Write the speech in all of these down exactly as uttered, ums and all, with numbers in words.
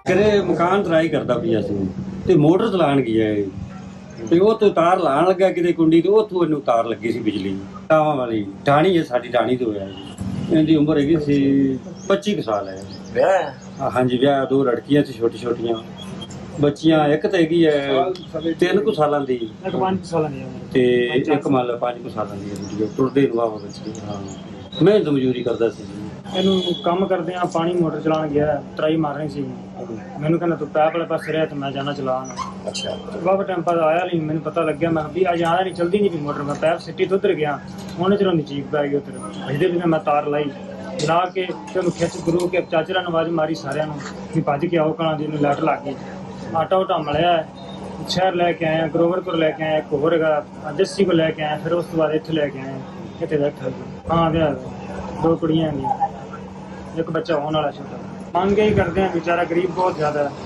ਕਰੇ ਮਕਾਨ ਟਰਾਈ ਕਰਦਾ ਪਿਆ ਸੀ ਤੇ ਮੋਟਰ ਚਲਾਣ ਗਿਆ ਇਹ ਤੇ ਉਹ ਤੋਂ ਤਾਰ ਲਾਣ ਲੱਗਾ ਕਿਤੇ ਕੁੰਡੀ ਤੇ ਉੱਥੋਂ ਇਹਨੂੰ ਤਾਰ ਲੱਗੀ ਸੀ ਬਿਜਲੀ ਟਾਵਾਂ ਵਾਲੀ ਟਾਣੀ ਹੈ ਸਾਡੀ ਟਾਣੀ ਤੋਂ ਹੋਇਆ ਜੀ। ਇਹਦੀ ਉਮਰ ਹੈਗੀ ਸੀ ਪੱਚੀ ਕੁ ਸਾਲ ਹੈ। ਵਿਆਹ ਹਾਂਜੀ ਵਿਆਹ ਦੋ ਲੜਕੀਆਂ ਸੀ ਛੋਟੀ ਛੋਟੀਆਂ ਬੱਚੀਆਂ ਇੱਕ ਤਾਂ ਹੈਗੀ ਹੈ ਤਿੰਨ ਕੁ ਸਾਲਾਂ ਦੀ ਇੱਕ ਪੰਜ ਸਾਲਾਂ ਦੀ ਉਮਰ ਤੇ ਇੱਕ ਮੰਨ ਲਾ ਪੰਜ ਕੁ ਸਾਲਾਂ ਦੀ ਹੈ ਜੀ। ਟੁਰਦੇ ਨੂੰ ਵਾਵਾ ਬੱਚੀ ਹਾਂ ਮੈਂ ਤਾਂ ਮਜ਼ਦੂਰੀ ਕਰਦਾ ਸੀ ਜੀ। ਇਹਨੂੰ ਕੰਮ ਕਰਦੇ ਆ ਪਾਣੀ ਮੋਟਰ ਚਲਾਉਣ ਗਿਆ ਟਰਾਈ ਮਾਰਨੀ ਸੀ ਮੈਨੂੰ ਕਹਿੰਦਾ ਤੂੰ ਪੈਪ ਵਾਲੇ ਪਾਸੇ ਰਹਿ ਤੇ ਮੈਂ ਜਾਣਾ ਚਲਾਉਣ। ਅੱਛਾ ਬਾਬਾ ਟਾਈਮ ਬਾਅਦ ਆਇਆ ਨਹੀਂ ਮੈਨੂੰ ਪਤਾ ਲੱਗਿਆ ਮੈਂ ਵੀ ਅੱਜ ਆਇਆ ਨਹੀਂ ਚਲਦੀ ਨਹੀਂ ਵੀ ਮੋਟਰ ਮੈਂ ਪੈਪ ਸਿੱਟੀ ਤੋਂ ਉੱਧਰ ਗਿਆ ਉਹਨੇ ਚਲੋਂ ਦੀ ਚੀਕ ਪੈ ਗਈ ਉੱਧਰ ਇਹਦੇ ਵੀ ਮੈਂ ਤਾਰ ਲਾਈ ਲਾ ਕੇ ਤੇ ਉਹਨੂੰ ਖਿੱਚ ਗੁਰੂ ਕੇ ਚਾਚਰਾ ਨੂੰ ਆਵਾਜ਼ ਮਾਰੀ ਸਾਰਿਆਂ ਨੂੰ ਵੀ ਭੱਜ ਕੇ ਆਓ ਕਲਾਂ ਦੀ ਨੂੰ ਲੱਟ ਲੱਗ ਗਈ। ਆਟਾ ਉਟਾ ਮਲਿਆ ਸ਼ਹਿਰ ਲੈ ਕੇ ਆਇਆ ਗਰੋਵਰਪੁਰ ਲੈ ਕੇ ਆਇਆ ਇੱਕ ਹੋਰ ਹੈਗਾ ਜੱਸੀ ਕੋ ਲੈ ਕੇ ਆਇਆ ਫਿਰ ਉਸ ਤੋਂ ਬਾਅਦ ਇੱਥੇ ਲੈ ਕੇ ਆਇਆ ਇੱਥੇ ਬੈਠਾ ਹਾਂ ਵਿਆਹ ਦੋ ਕੁੜੀਆਂ ਨੇ ਇੱਕ ਬੱਚਾ ਹੋਣ ਵਾਲਾ ਛੋਟਾ ਮੰਗ ਹੀ ਕਰਦੇ ਆ ਵਿਚਾਰਾ ਗਰੀਬ ਬਹੁਤ ਜ਼ਿਆਦਾ ਹੈ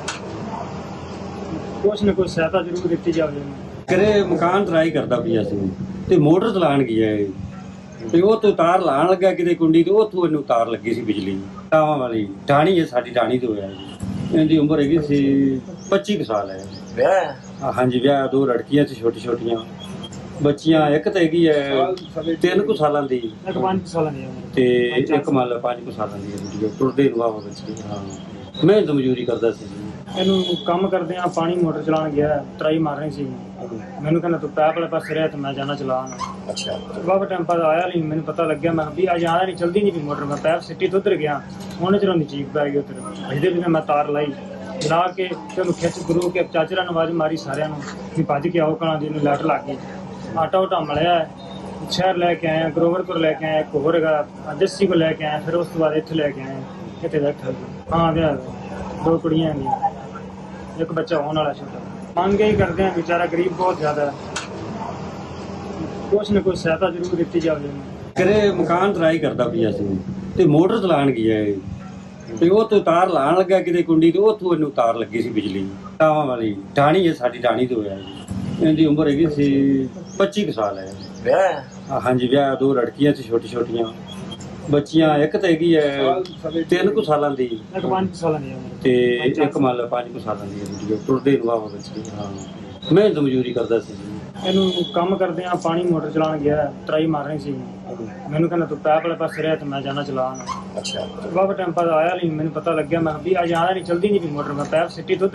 ਕੁਛ ਨਾ ਕੁਛ ਸਹਾਇਤਾ ਜ਼ਰੂਰ ਦਿੱਤੀ ਜਾਵੇ। ਕਰੇ ਮਕਾਨ ਟਰਾਈ ਕਰਦਾ ਪਿਆ ਸੀ ਤੇ ਮੋਟਰ ਚਲਾਣ ਗਿਆ ਇਹ ਤੇ ਉਹ ਤੋਂ ਤਾਰ ਲਾਣ ਲੱਗਾ ਕਿਤੇ ਕੁੰਡੀ ਤੇ ਉੱਥੋਂ ਇਹਨੂੰ ਤਾਰ ਲੱਗੀ ਸੀ ਬਿਜਲੀ ਟਾਵਾਂ ਵਾਲੀ ਟਾਣੀ ਹੈ ਸਾਡੀ ਟਾਣੀ ਤੋਂ ਹੋਇਆ ਜੀ। ਇਹਦੀ ਉਮਰ ਹੈਗੀ ਸੀ ਪੱਚੀ ਕੁ ਸਾਲ ਹੈ। ਵਿਆਹ ਹਾਂਜੀ ਵਿਆਹ ਦੋ ਲੜਕੀਆਂ ਸੀ ਛੋਟੀ ਛੋਟੀਆਂ ਬੱਚੀਆਂ ਇੱਕ ਤਾਂ ਹੈਗੀ ਹੈ ਤਿੰਨ ਕੁ ਸਾਲਾਂ ਦੀ ਇੱਕ ਪੰਜ ਸਾਲਾਂ ਦੀ ਉਮਰ ਤੇ ਇੱਕ ਮੰਨ ਲਾ ਪੰਜ ਕੁ ਸਾਲਾਂ ਦੀ ਹੈ ਜੀ। ਟੁਰਦੇ ਨੂੰ ਵਾਵਾ ਬੱਚੀ ਹਾਂ ਮੈਂ ਤਾਂ ਮਜ਼ਦੂਰੀ ਕਰਦਾ ਸੀ ਜੀ। ਇਹਨੂੰ ਕੰਮ ਕਰਦੇ ਆ ਪਾਣੀ ਮੋਟਰ ਚਲਾਉਣ ਗਿਆ ਟਰਾਈ ਮਾਰਨੀ ਸੀ ਮੈਨੂੰ ਕਹਿੰਦਾ ਤੂੰ ਪੈਪ ਵਾਲੇ ਪਾਸੇ ਰਹਿ ਤੇ ਮੈਂ ਜਾਣਾ ਚਲਾਉਣ। ਅੱਛਾ ਬਾਬਾ ਟਾਈਮ ਬਾਅਦ ਆਇਆ ਨਹੀਂ ਮੈਨੂੰ ਪਤਾ ਲੱਗਿਆ ਮੈਂ ਵੀ ਅੱਜ ਆਇਆ ਨਹੀਂ ਚਲਦੀ ਨਹੀਂ ਵੀ ਮੋਟਰ ਮੈਂ ਪੈਪ ਸਿੱਟੀ ਤੋਂ ਉੱਧਰ ਗਿਆ ਉਹਨੇ ਚਲੋਂ ਦੀ ਚੀਕ ਪੈ ਗਈ ਉੱਧਰ ਇਹਦੇ ਵੀ ਮੈਂ ਤਾਰ ਲਾਈ ਲਾ ਕੇ ਤੇ ਉਹਨੂੰ ਖਿੱਚ ਗੁਰੂ ਕੇ ਚਾਚਰਾ ਨੂੰ ਆਵਾਜ਼ ਮਾਰੀ ਸਾਰਿਆਂ ਨੂੰ ਵੀ ਭੱਜ ਕੇ ਆਓ ਕਲਾਂ ਦੀ ਨੂੰ ਲੱਟ ਲੱਗ ਗਈ। ਆਟਾ ਉਟਾ ਮਲਿਆ ਸ਼ਹਿਰ ਲੈ ਕੇ ਆਇਆ ਗਰੋਵਰਪੁਰ ਲੈ ਕੇ ਆਇਆ ਇੱਕ ਹੋਰ ਹੈਗਾ ਜੱਸੀ ਕੋ ਲੈ ਕੇ ਆਇਆ ਫਿਰ ਉਸ ਤੋਂ ਬਾਅਦ ਇੱਥੇ ਲੈ ਕੇ ਆਇਆ ਇੱਥੇ ਬੈਠਾ ਹਾਂ ਵਿਆਹ ਦੋ ਕੁੜੀਆਂ ਨੇ ਇੱਕ ਬੱਚਾ ਹੋਣ ਵਾਲਾ ਛੋਟਾ ਮੰਗ ਹੀ ਕਰਦੇ ਆ ਵਿਚਾਰਾ ਗਰੀਬ ਬਹੁਤ ਜ਼ਿਆਦਾ ਹੈ ਕੁਛ ਨਾ ਕੁਛ ਸਹਾਇਤਾ ਜ਼ਰੂਰ ਦਿੱਤੀ ਜਾਵੇ। ਕਰੇ ਮਕਾਨ ਟਰਾਈ ਕਰਦਾ ਪਿਆ ਸੀ ਤੇ ਮੋਟਰ ਚਲਾਣ ਗਿਆ ਇਹ ਤੇ ਉਹ ਤੋਂ ਤਾਰ ਲਾਣ ਲੱਗਾ ਕਿਤੇ ਕੁੰਡੀ ਤੇ ਉੱਥੋਂ ਇਹਨੂੰ ਤਾਰ ਲੱਗੀ ਸੀ ਬਿਜਲੀ ਟਾਵਾਂ ਵਾਲੀ ਟਾਣੀ ਹੈ ਸਾਡੀ ਟਾਣੀ ਤੋਂ ਹੋਇਆ ਜੀ। ਇਹਦੀ ਉਮਰ ਹੈਗੀ ਸੀ ਪੱਚੀ ਕੁ ਸਾਲ ਹੈ। ਵਿਆਹ ਹਾਂਜੀ ਵਿਆਹ ਦੋ ਲੜਕੀਆਂ ਸੀ ਛੋਟੀ ਛੋਟੀਆਂ ਬੱਚੀਆਂ ਇੱਕ ਤਾਂ ਹੈਗੀ ਹੈ ਤਿੰਨ ਕੁ ਸਾਲਾਂ ਦੀ ਇੱਕ ਪੰਜ ਸਾਲਾਂ ਦੀ ਉਮਰ ਤੇ ਇੱਕ ਮੰਨ ਲਾ ਪੰਜ ਕੁ ਸਾਲਾਂ ਦੀ ਹੈ ਜੀ। ਟੁਰਦੇ ਨੂੰ ਵਾਵਾ ਬੱਚੀ ਹਾਂ ਮੈਂ ਤਾਂ ਮਜ਼ਦੂਰੀ ਕਰਦਾ ਸੀ ਜੀ। ਇਹਨੂੰ ਕੰਮ ਕਰਦੇ ਆ ਪਾਣੀ ਮੋਟਰ ਚਲਾਉਣ ਗਿਆ ਟਰਾਈ ਮਾਰਨੀ ਸੀ ਮੈਨੂੰ ਕਹਿੰਦਾ ਤੂੰ ਪੈਪ ਵਾਲੇ ਪਾਸੇ ਰਹਿ ਤੇ ਮੈਂ ਜਾਣਾ ਚਲਾਉਣ। ਅੱਛਾ ਬਾਬਾ ਟਾਈਮ ਬਾਅਦ ਆਇਆ ਨਹੀਂ ਮੈਨੂੰ ਪਤਾ ਲੱਗਿਆ ਮੈਂ ਵੀ ਅੱਜ ਆਇਆ ਨਹੀਂ ਚਲਦੀ ਨਹੀਂ ਵੀ ਮੋਟਰ ਮੈਂ ਪੈਪ ਸਿੱਟੀ ਤੋਂ